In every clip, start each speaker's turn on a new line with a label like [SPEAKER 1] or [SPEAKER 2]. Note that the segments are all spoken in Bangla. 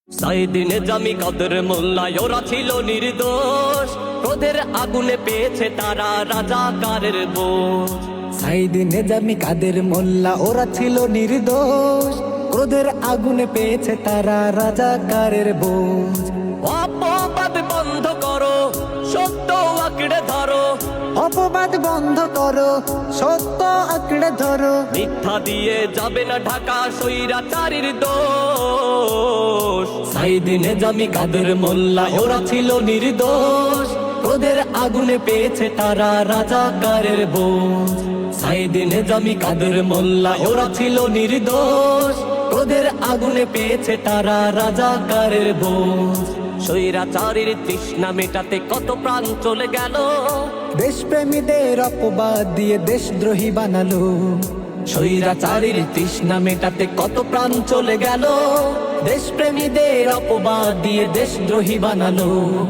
[SPEAKER 1] সাইদিন জামি কাদের মোল্লা ওরা ছিল নির্দোষ, ক্রোধের আগুনে পেয়েছে তারা রাজাকারের বোঝ।
[SPEAKER 2] সাইদিন জামি কাদের মোল্লা ওরা ছিল নির্দোষ, ক্রোধের আগুনে পেয়েছে তারা রাজাকারের বোঝ।
[SPEAKER 1] অপবাদ বন্ধ করো, সত্য আঁকড়ে ধরো,
[SPEAKER 2] অপবাদ বন্ধ করো, সত্য আঁকড়ে ধরো।
[SPEAKER 1] মিথ্যা দিয়ে যাবে না ঢাকা স্বৈরাচারীর দোষ।
[SPEAKER 2] সাইদিন জামি কাদের মোল্লা ওরা ছিল নির্দোষ, ক্রোধের আগুনে পেয়েছে তারা রাজাকারের বোঝ। সাইদিন জামি কাদের মোল্লা ওরা ছিল নির্দোষ, ক্রোধের আগুনে পেয়েছে তারা রাজাকারের বোঝ।
[SPEAKER 1] স্বৈরাচারীর তৃষ্ণা মেটাতে কত প্রাণ চলে গেল,
[SPEAKER 2] দেশপ্রেমীদের অপবাদ দিয়ে দেশদ্রোহী বানালো।
[SPEAKER 1] স্বৈরাচারীর তৃষ্ণা মেটাতে কত প্রাণ চলে গেল,
[SPEAKER 2] দেশপ্রেমীদের অপবাদ দিয়ে দেশদ্রোহী বানালো।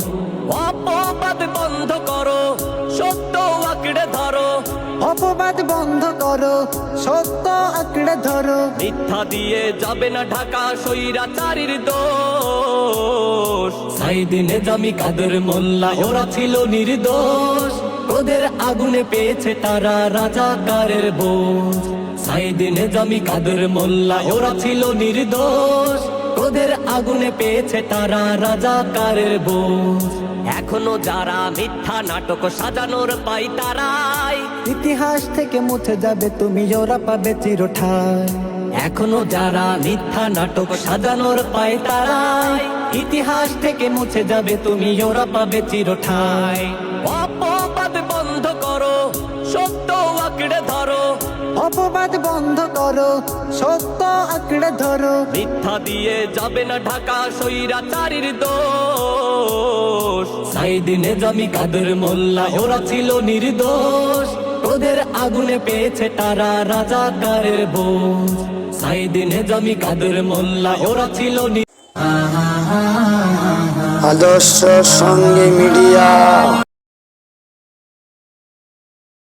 [SPEAKER 1] অপবাদ বন্ধ করো, সত্য আঁকড়ে ধরো,
[SPEAKER 2] অপবাদ বন্ধ করো, সত্য আঁকড়ে ধরো।
[SPEAKER 1] মিথ্যা দিয়ে যাবে না ঢাকা স্বৈরাচারীর দোষ।
[SPEAKER 2] সাইদিন জামি কাদের মোল্লা ওরা ছিল নির্দোষ, ক্রোধের আগুনে পেয়েছে তারা রাজাকারের বোঝ। সাইদিন জামি কাদের মোল্লা ওরা ছিল নির্দোষ, ক্রোধের আগুনে পেয়েছে তারা রাজাকারের বোঝ।
[SPEAKER 1] এখনো যারা মিথ্যা নাটক সাজানোর পাই তারাই,
[SPEAKER 2] ইতিহাস থেকে মুছে যাবে তুমি, ওরা পাবে চিরঠায়।
[SPEAKER 1] এখনো যারা মিথ্যা নাটক সাজানোর পাই তারাই,
[SPEAKER 2] ইতিহাস থেকে মুছে যাবে তুমি, ওরা পাবে চিরঠায়।
[SPEAKER 1] অপবাদ বন্ধ করো, সত্য আঁকড়ে ধরো,
[SPEAKER 2] অপবাদ বন্ধ করো, সত্য আঁকড়ে ধরো।
[SPEAKER 1] মিথ্যা দিয়ে যাবে না ঢাকা স্বৈরাচারীর দোষ।
[SPEAKER 2] সাইদিন জামি কাদের মোল্লা ওরা ছিল নির্দোষ, ক্রোধের আগুনে পেয়েছে তারা রাজাকারের বোঝ। সাইদিন জামি কাদের মোল্লা ওরা ছিল
[SPEAKER 3] আদর্শ সঙ্গে মিডিয়া।